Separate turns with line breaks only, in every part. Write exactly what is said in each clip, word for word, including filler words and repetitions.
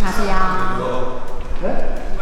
가세요.
네?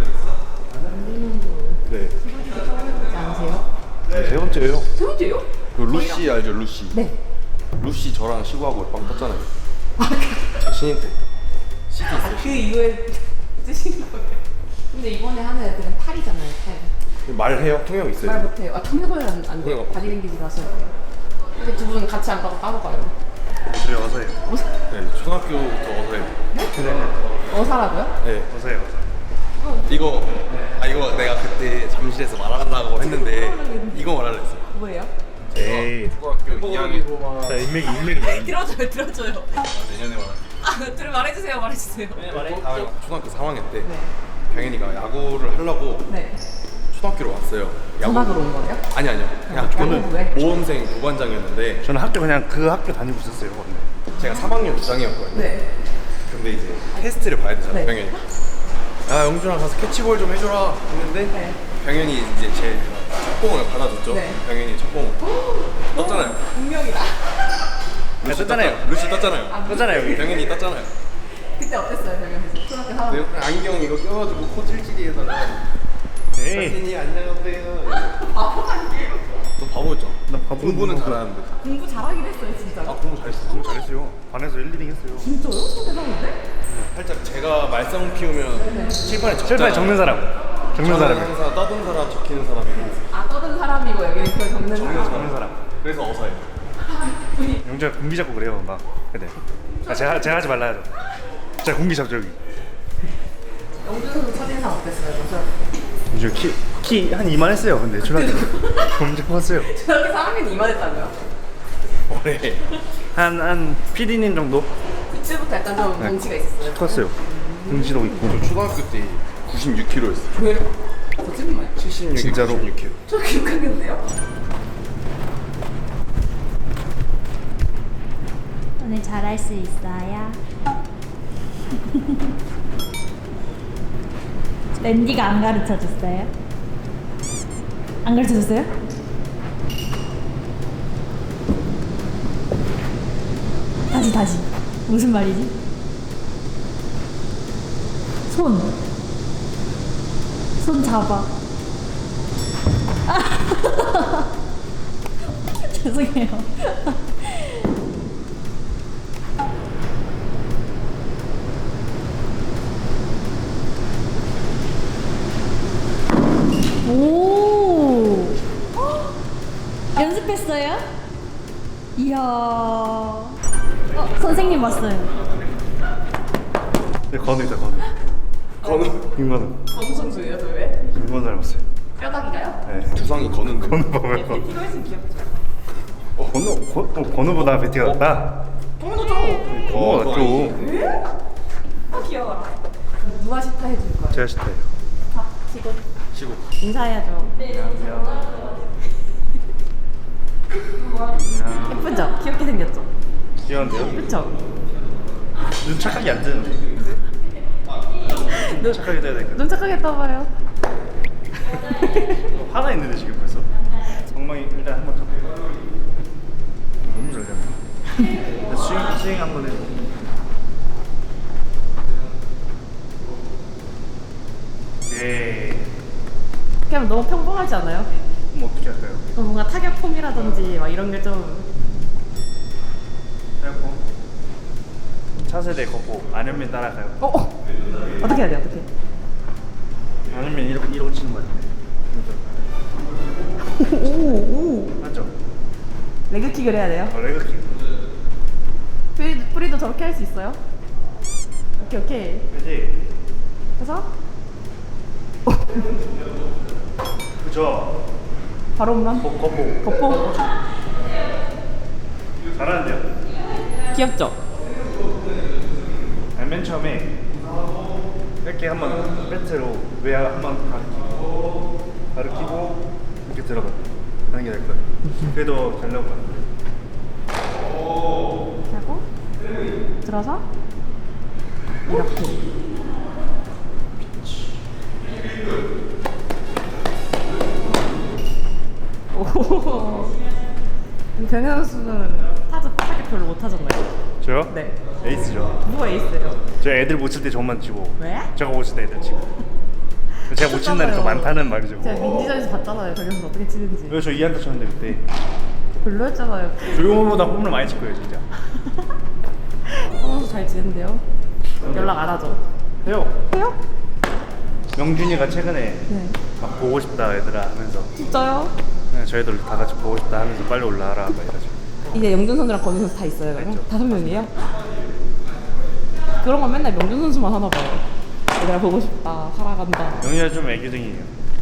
네.
지 않으세요?
네, 세 번째예요.
세 번째요?
그 루시 알죠, 루시?
네.
루시 저랑 시구하고 빵 떴잖아요. 제 신인 때. 시티 있어요.
그 이후에 뜨신 거예요. 근데 이번에 하는 애들은 팔이잖아요, 팔.
말해요? 통역 있어요?
말 못해요. 아, 통역을 안, 안 돼요.
통역.
바디랭귀지라서. 근데 두 분 같이 안 가고 따로 가요.
그래 어서 해요.
네, 초등학교부터 어서 해요.
그래
어사라고요?
네.
어서 해요. 어서.
이거, 아, 이거 내가 그때 잠실에서 말하려고 했는데, 이거 말하려 했어.
뭐예요?
에이.
초등학교 이 학년.
자 인맥이 인맥이.
들어줘요, 들어줘요.
내년에 말할게.
아, 들 말해주세요, 말해주세요.
다음에 초등학교 삼 학년 때,
네.
병현이가 야구를 하려고
네.
초등학교로 왔어요.
전학으로 온 거예요?
아니, 아니요. 그냥
저는 왜?
모험생 부반장이었는데,
저는 학교 그냥 그 학교 다니고 있었어요. 원래.
제가 삼 학년 주장이었거든요.
네.
근데 이제 테스트를 봐야 되잖아,
네.
병현이가. 야, 영준아 가서 캐치볼 좀 해줘라 했는데,
네.
병현이 이제 제 첫 공을 받아줬죠.
네.
병현이 첫 공. 떴잖아요.
운명이다.
루시
떴잖아요.
떴- 루시 떴잖아요.
떴잖아요, 여기.
병현이 떴잖아요.
그때 어땠어요, 병현씨? 초등학교 삼
근데
학년.
안경 이거 껴가지고 코질질이에다가
에이.
선생님 안녕하세요.
바보 아니에요?
너 바보였잖아.
나 바보
공부는
공부.
잘하는데.
공부 잘하긴 했어요, 진짜.
아 공부 잘했어.
공부 잘했어요. 반에서 일, 이 등 했어요.
진짜요? 저 대단한데?
살짝 제가 말썽 피우면 칠판에 적잖아요.
실패 적는 사람. 적는
저는
사람이.
항상 떠든 사람 적히는 사람이고
아, 떠든 사람이고 여기는 그걸 적는 사람.
적는 사람.
그래서 어서해요.
영주가 공기 잡고 그래요 막. 근데 아, 제가 제가 하지 말라 하죠. 제가 공기 잡죠 여기.
영준 선수 첫인상 어땠어요?
영주 키키 한 이만했어요. 근데 초등학교 엄청 컸어요.
초등학교 삼 학년 이만했다고요?
올해
한한 피디님 정도
그때부터 약간 좀 덩치가 있었어요.
컸어요. 등치도 있고.
저 초등학교 때 구십육 킬로였어요.
왜요? 거짓말.
칠십육,
진짜로?
구십육 킬로.
저 기억하겠는데요?
오늘 잘할 수 있어요. 랜디가 안 가르쳐 줬어요? 안 가르쳐 줬어요? 다시 다시 무슨 말이지? 손. 손 잡아. 아. 죄송해요. 오. 헉! 연습했어요? 이야. 어, 선생님 왔어요.
네, 건우 있다 건우.
건우
김건우.
정우 선수예요, 저 왜?
김건우 닮았어요.
뼈다귀가요?
네.
두상이 건우인데.
건우 봐봐요.
이거 했으면 귀엽죠.
건우 거, 어, 건우보다 베티가 낫다.
동료죠.
건우가 낫죠.
왜? 아, 귀여워라. 누가 시타 해줄 거예요?
제가 싫대요.
자, 지금
시고.
인사해야죠. 예쁘죠? 귀엽게 생겼죠?
귀여운데요?
그쵸?
눈 착하게 안 뜨는데. 눈 착하게 떠야 되니까.
눈 착하게 떠봐요.
하나 있는데 지금 벌써. 엉망이 일단 한번 쳐. 너무 잘 잡네. 스윙 스윙 한번 해줘. 예.
그냥 너무 평범하지 않아요?
그럼 어떻게 할까요?
그럼 뭔가 타격 폼이라든지 막 이런 게 좀
해갖고 차세대 걷고 안현민 따라가요.
어? 어? 어떻게 해야 돼? 어떻게?
안현민 이러고 이러고 치는 거 같은데.
오오
맞죠?
레그킥을 해야 돼요?
어, 레그킥.
프리, 프리도 저렇게 할 수 있어요? 오케이 오케이
그지?
해서
그죠?
바로 홈런
거, 걷고.
겉보
잘하는데요?
귀엽죠?
아니, 맨 처음에 이렇게 한번 배트로 외야 한번 가르치고 가르치고 이렇게 들어가 하는 게 될 거예요. 그래도 잘 나올 거예요.
이렇게 하고 들어서 이렇게 오 병현 선수는 타자 타격 별로 못 하잖아요.
저요?
네.
에이스죠.
누가 에이스예요?
저 애들 못 칠 때 저만 치고
왜?
제가 못 칠 때 애들 치고 제가 못 치는 날이 더 많다는 말이죠.
제가 민지전에서 봤잖아요. 저기서 어떻게 치는지.
그래서 저 이 안타 쳤는데 그때
별로였잖아요.
조용호보다 홈런 많이 칠 거예요 진짜.
선수 잘 지낸대요. 연락 안 하죠?
해요.
해요?
명준이가 최근에
네.
막 보고 싶다 얘들아 하면서
진짜요?
네, 저희들 다 같이 보고 싶다 하면서 빨리 올라와라 막 이러죠.
이제 영준 선수랑 권우 선수 다 있어요. 그러면? 다섯 명이에요? 그런 건 맨날 명준 선수만 하나 봐요. 얘들아 보고 싶다. 살아간다.
영준이가 좀 애교쟁이에요.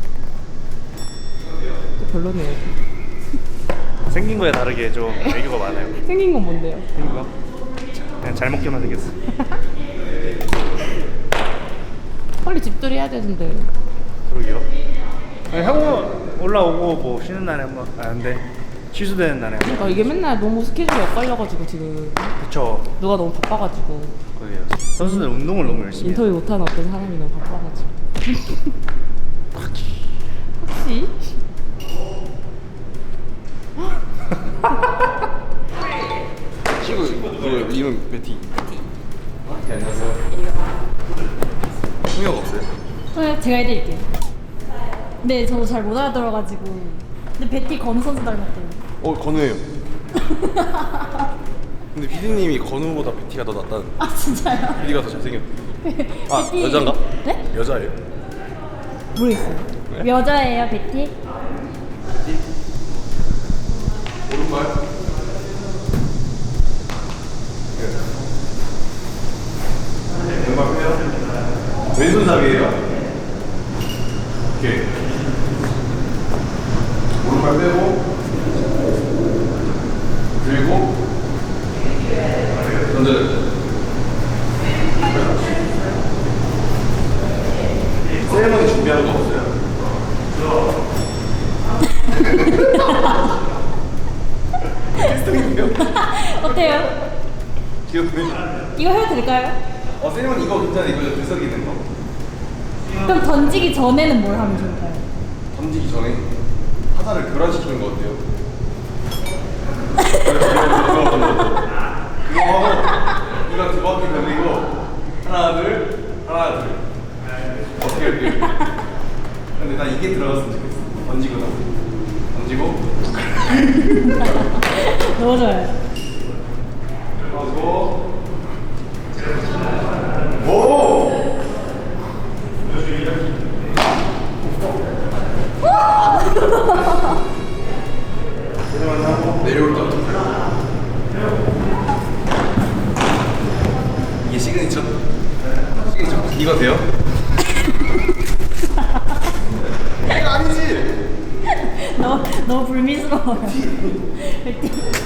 또 별로네요.
생긴 거에 다르게 좀 애교가 많아요.
생긴 건 뭔데요?
생긴 거? 그냥 잘 먹게만 생겼어.
빨리 집들이 해야 되는데.
그러게요. 아니, 하고 올라오고 뭐 쉬는 날에 한번 아 근데 취소되는 날에 한번.
그러니까 이게 맨날 너무 스케줄이 엇갈려가지고 지금
그쵸.
누가 너무 바빠가지고
그러게요. 선수들 운동을 너무 열심히 해요.
인터뷰 못하는 어떤 사람이 너무 바빠가지고. 혹시?
친구 그 이름 베티. 네, 안녕하세요. 통역 없어요?
네, 제가 해드릴게요. 네, 저도 잘 못 알아들어가지고. 근데 베티 건우 선수 닮았대요.
어 건우예요. 근데 피디님이 건우보다 베티가 더 낫다는.
아 진짜요?
베티가 더 잘생겼대. 아
베티-
여잔가?
네?
여자예요.
모르겠어요.
네?
여자예요, 베티?
오른발. 왼발 빼요. 왼손잡이에요. 오케이. 오른발 빼고 그리고 던져요. 세레머니 준비하는 거 없어요?
어때요?
귀엽네.
이거 해도 될까요?
어, 세레머니 이거 괜찮아. 이거 들썩이 있는 거.
그럼 던지기 전에는 뭘 하면 좋을까요?
던지기 전에 화살을 교란시키는 거 어때요? 그거 하고 이거 두 바퀴 돌리고 하나 둘 하나 둘 어떻게 할게? 근데 난 이게 들어갔으면 좋겠어. 던지고 나서 던지고
너무 좋아요.
던지고 오! 내려올 때 어떡해? 이게 시그니처? 시그니처 이거 돼요? 이거 아니지?
너무, 너무 불미스러워요. 베티.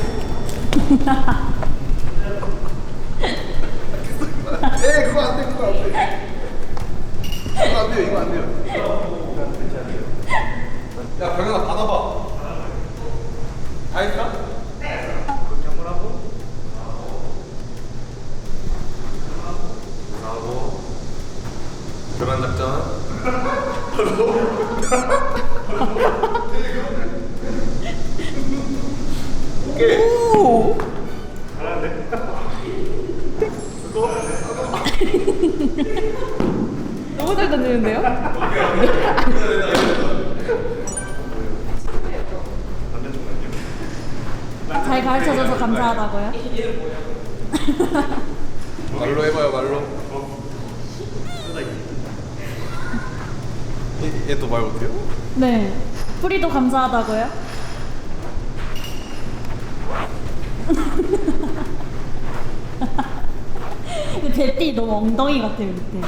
에 그거 안 돼, 그거 안 돼. 이거 안 돼요, 이거 안 돼요. 야 병현아 받아봐. 다 했나? 네. 그렇게 한번 하고. 하고. 교란 작전. 오케이.
오! 너무 잘 던지는데요?
잘 가르쳐줘서 감사하다고요?
말로 해봐요, 말로. 얘 또 말 못해요?
네. 프리도 감사하다고요? 근데 베티 너무 엉덩이 같아요, 밑에.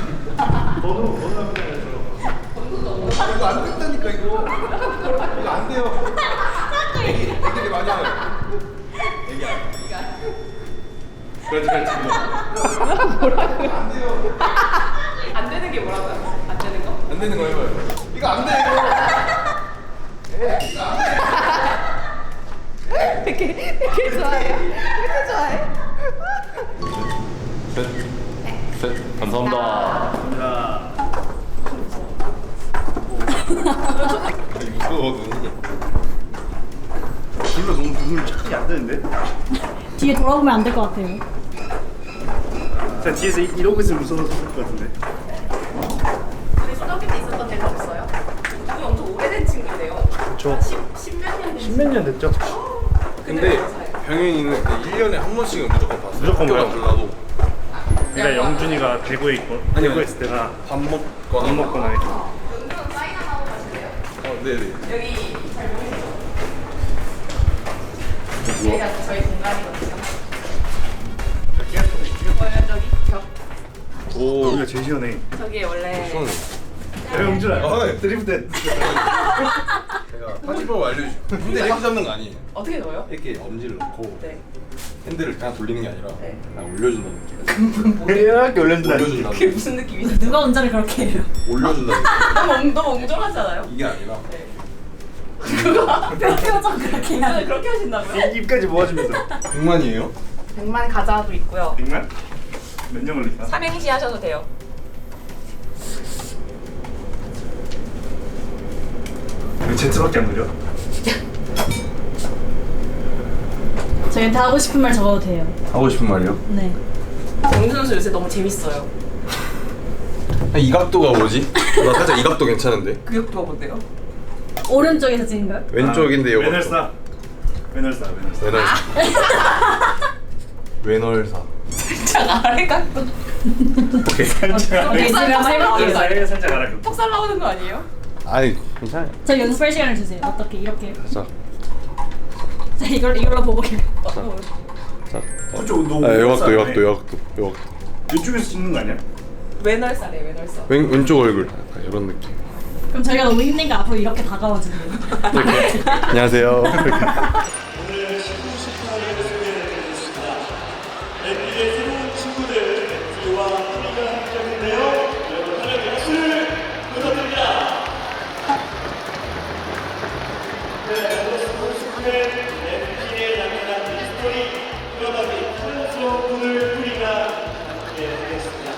이거 안 된다니까 이거. 이거 안 돼요. 애기 애기들 많이 하요. 애기 안. 그렇지 그렇지.
뭐라고요?
안 돼요.
안 되는 게 뭐라고요? 안 되는 거?
안 되는 거 해봐요. 이거 안 돼 이거. 에 이거 안 돼.
이렇게 이렇게 좋아해요? 이렇게 좋아해?
셋. 셋. 감사합니다. 무서워 눈이.
둘러 너무 눈을 착하게 안 되는데?
뒤에 돌아보면 안 될 것 같아요.
나 뒤에서 이- 이러고 있으면 무서워서 죽을 것 같은데.
우리 초등학교 때 있었던 애가 없어요? 우리 엄청 오래된 친구인데요.
저
십몇 년 된
십몇 년 됐죠?
근데 병현이는 일 년에 한 번씩은 무조건 봤어.
무조건
학교가
봐요?
달라도
그러니까 영준이가 대구에 있고
아니,
대구에
아니.
있을 때가
밥 먹거나.
밥 먹거나 이렇게.
연주는 사인 하나 하고 가실래요?
어, 네네.
여기 잘 보이시죠? 여기가 저희 공간이거든요. 보여요 저기 벽.
오.
여기가 제일 시원해.
저기 원래
시원해.
야 영준아.
아, 네.
드리프트.
제가 파티법 알려주죠. 근데 이렇게 잡는 거 아니에요.
어떻게 넣어요?
이렇게 엄지를 넣고
네.
핸들을 그냥 돌리는 게 아니라
네.
그냥 올려준다는 느낌.
이렇게 올려준다.
올려준다는
그게
느낌.
무슨 느낌이죠?
누가 운전을 그렇게 해요?
올려준다는 느낌.
너무 엉- 너무 엉절하지 않아요?
이게 아니라
네. 누가
표정 그렇게
운전을
해요.
그렇게 하신다고요?
입까지 모아주면서.
백만이에요?
백만 가자도 있고요.
백만? 몇 년 걸릴까?
삼행시 하셔도 돼요.
왜 Z밖에 안 느려?
저희한테 하고 싶은 말 적어도 돼요.
하고 싶은 말이요?
네.
영준 선수 요새 너무 재밌어요.
이 각도가 뭐지? 나 살짝 이 각도 괜찮은데?
그 각도가 뭔데요?
오른쪽에서 찍은 거요?
왼쪽인데 요
외널사. 외널사. 외널사.
외널사. 외널사.
살짝 아래 각도.
오케이.
살짝.
오케이, 지금 한번 해볼게요.
살짝 살짝 알아.
턱살 나오는 거 아니에요?
아니 괜찮아요.
저 연습할 시간을 주세요. 어떻게 이렇게?
자,
자 이걸 이걸로 보고 해.
어,
자.
그쪽 너.
아, 요 각도, 요 각도, 요 각도, 요 각도.
이쪽에서 찍는 거 아니야?
외널살이에요, 외널살.
왼 왼쪽 얼굴. 약간 이런 느낌.
그럼 저희가 너무 힘드니까 앞으로 이렇게 다가와 주세요.
안녕하세요.
엠비의 새로운 친구들 엠비와 프리가 함께하는데요. 여러분 하나님의 박수를 부탁드립니다. 네, 오늘 스포츠의 엠비의 양면한 미스터리 끌어다니 탐스러운 분을 프리가 함께하겠습니다.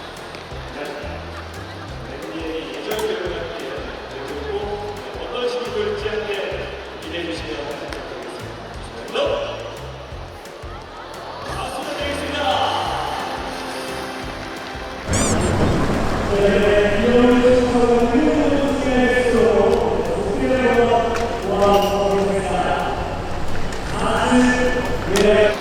엠비의 예정대로 함께 그리고 어떤 식으로 볼지 함께 기대해 주시면 감사드리겠습니다. 네.